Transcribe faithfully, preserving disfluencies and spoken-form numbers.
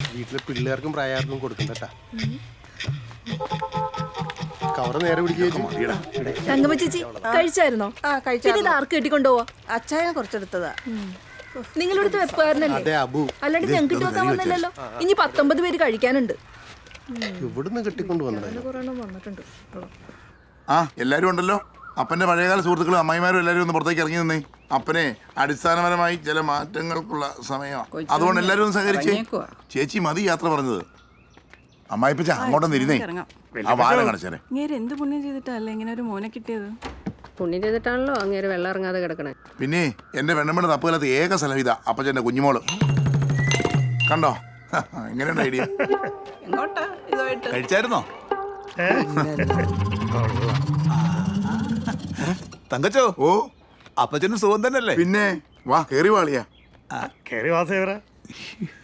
വീട്ടിലെ പിള്ളേർക്കും പ്രായർക്കും കൊടുക്കണ്ടട്ടാ. കവറ് നേരെ പിടിക്കുക. തങ്കമ്മ ചേച്ചി കഴിച്ചായിരുന്നോ? ആ കഴിച്ചു. ഇത് ആർക്ക് കെട്ടിക്കൊണ്ടുപോവാ? അച്ചായനെ കുറച്ചെടുത്തതാ. നിങ്ങളിവിടുത്തെ വെപ്പുകാരനല്ലേ? അതെ അബു. അല്ലാണ്ട് ഞങ്ങൾക്ക് ഇട്ട് വെക്കാൻ വന്നില്ലല്ലോ. ഇനി പത്തൊമ്പത് പേര് കഴിക്കാനുണ്ട്. ഇവിടുന്ന് കെട്ടിക്കൊണ്ട് വന്നത് വന്നിട്ടുണ്ട്. ആ എല്ലാരും ഉണ്ടല്ലോ. അപ്പന്റെ പഴയകാല സുഹൃത്തുക്കളും അമ്മായിമാരും എല്ലാരും ഒന്ന് പുറത്തേക്ക് ഇറങ്ങി നിന്നേ. അപ്പനെ അടിസ്ഥാനപരമായി ചില മാറ്റങ്ങൾക്കുള്ള സമയമാണ്. അതുകൊണ്ട് എല്ലാരും ഒന്ന് സഹകരിച്ചേ. ചേച്ചി മതി യാത്ര പറഞ്ഞത്. അമ്മായിപ്പച്ച അങ്ങോട്ടൊന്ന് ഇരുന്നേ. ആ വാരം കടച്ചേരെ. എന്ത് പുണ്യം ചെയ്തിട്ടല്ലേ ഇങ്ങനെ ഒരു മോനെ കിട്ടിയത്? പുണ്യം ചെയ്തിട്ടാണല്ലോ അങ്ങേര് വെള്ളം ഇറങ്ങാതെ കിടക്കണേ. പിന്നെ എന്റെ വെണ്ണമ്മയുടെ തപ്പുകാലത്ത് ഏക സ്ഥലം ഇതാ അപ്പച്ചന്റെ കുഞ്ഞുമോള്. കണ്ടോ എങ്ങനെയുണ്ട് ഐഡിയ? കഴിച്ചായിരുന്നോ തങ്കച്ചോ? ഓ അപ്പച്ചനും സുഖം തന്നെയല്ലേ? പിന്നെ വാ കേറി വാളിയാ. കേറി വാസേവരാ.